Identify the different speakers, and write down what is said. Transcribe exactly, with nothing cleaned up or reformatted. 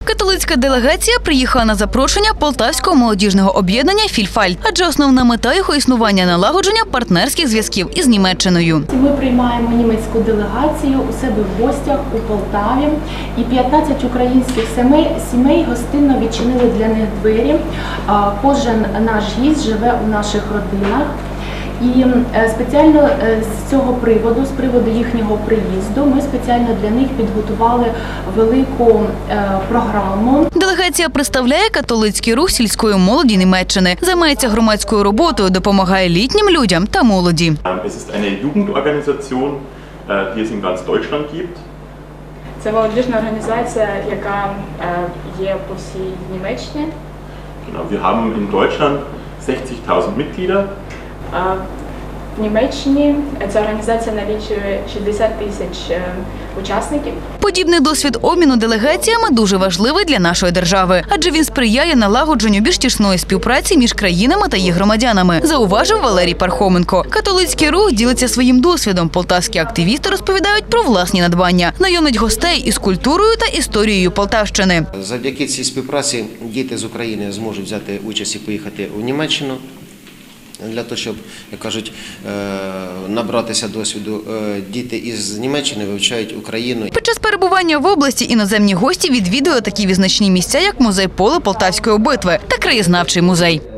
Speaker 1: Католицька делегація приїхала на запрошення Полтавського молодіжного об'єднання «Фільфальт», адже основна мета його існування – налагодження партнерських зв'язків із Німеччиною.
Speaker 2: Ми приймаємо німецьку делегацію у себе в гостях у Полтаві, і п'ятнадцять українських сімей, сімей гостинно відчинили для них двері. Кожен наш гість живе у наших родинах. І спеціально з цього приводу, з приводу їхнього приїзду, ми спеціально для них підготували велику програму.
Speaker 1: Делегація представляє католицький рух сільської молоді Німеччини, займається громадською роботою, допомагає літнім людям та молоді.
Speaker 3: Це eine Jugendorganisation, die es in ganz Deutschland gibt.
Speaker 4: Це молодіжна організація, яка є по всій Німеччині.
Speaker 3: Genau, wir haben in Deutschland sechzigtausend Mitglieder.
Speaker 4: В Німеччині ця організація налічує шістдесят тисяч учасників.
Speaker 1: Подібний досвід обміну делегаціями дуже важливий для нашої держави, адже він сприяє налагодженню більш тісної співпраці між країнами та їх громадянами, зауважив Валерій Пархоменко. Католицький рух ділиться своїм досвідом. Полтавські активісти розповідають про власні надбання, знайомлять гостей із культурою та історією Полтавщини.
Speaker 5: Завдяки цій співпраці діти з України зможуть взяти участь і поїхати у Німеччину, для того, щоб, як кажуть, набратися досвіду. Діти із Німеччини вивчають Україну.
Speaker 1: Під час перебування в області іноземні гості відвідали такі визначні місця, як музей Поле Полтавської битви та краєзнавчий музей.